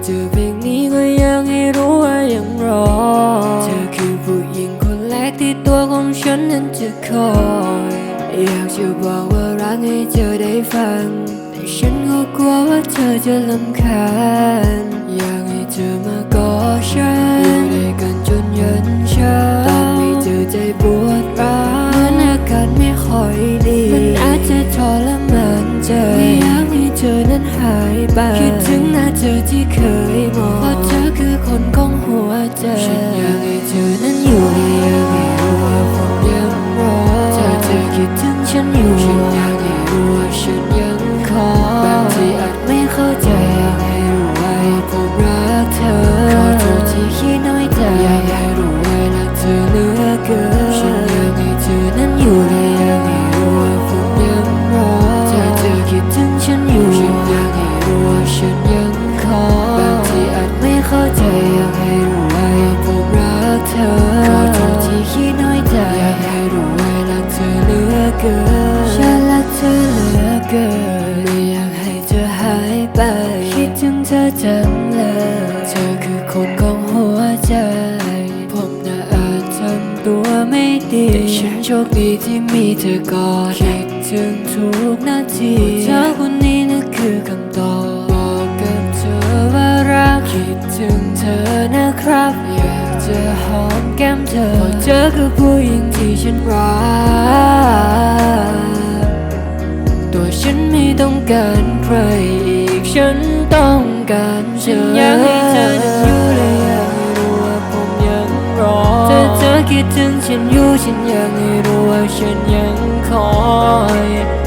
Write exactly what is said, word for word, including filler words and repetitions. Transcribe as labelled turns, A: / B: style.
A: เจอเพลงนี้ก็ยังให้รู้ว่ายังรอเธอคือผู้หญิงคนแรกที่ตัวของฉันนั้นจะคอยอยากจะบอกว่ารักให้เธอได้ฟังแต่ฉันก็กลัวว่าเธอจะรำคาญอยากให้เธอมากอดฉันอยู่ด้วยกันจนยันเช้าตอนไม่เจอใจปวดร้าวเหมือนอากาศไม่ค่อยดีมันอาจจะทรมานใจไม่อยากให้เธอนั้นหายไปคิดถึงหน้าเธอที่เคยมองเพราะเธอคือคนของหัวใจฉันอยากให้เธอนั้นอยู่และอยากให้รู้ว่าผมยังรอถ้าเธอคิดถึงฉันอยู่ฉันอยากให้รู้ว่าฉันยังคอยบางทีอาจไม่เข้าใจอยากให้รู้ไว้ผมรักเธอขอโทษที่คิดน้อยใจอยากให้รู้ไว้รักเธอเหลือเกินฉันอยากให้เธอนั้นอยู่และอยากให้รู้ว่าผมยังรอถ้าเธอคิดถึงฉันอยู่ฉันอยากให้รู้ว่าฉันยังคอยบางทีอาจไม่เข้าใจอยากให้รู้ไว้ผมรักเธอขอโทษที่คิดน้อยใจอยากให้รู้ไว้รักเธอเหลือเกินฉันรักเธอเหลือเกินไม่อยากให้เธอหายไปคิดถึงเธอจังเลยเธอคือคนของหัวใจผมน่ะอาจทำตัวไม่ดีแต่ฉันโชคดีที่มีเธอก่อนคิดถึงทุกนาทีเธอคนนี้นั่นคือคำตอบบอกกับเธอว่ารักคิดถึงเธอนะครับอยากจะหอมแก้มเธอเพราะเธอคือผู้หญิงที่ฉันรักตัวฉันไม่ต้องการใครอีกฉันต้องการเธออยากให้เธอนั้นอยู่และอยากให้รู้ว่าผมยังรอถ้าเธอคิดถึงฉันอยู่ฉันอยากให้รู้ว่าฉันยังคอย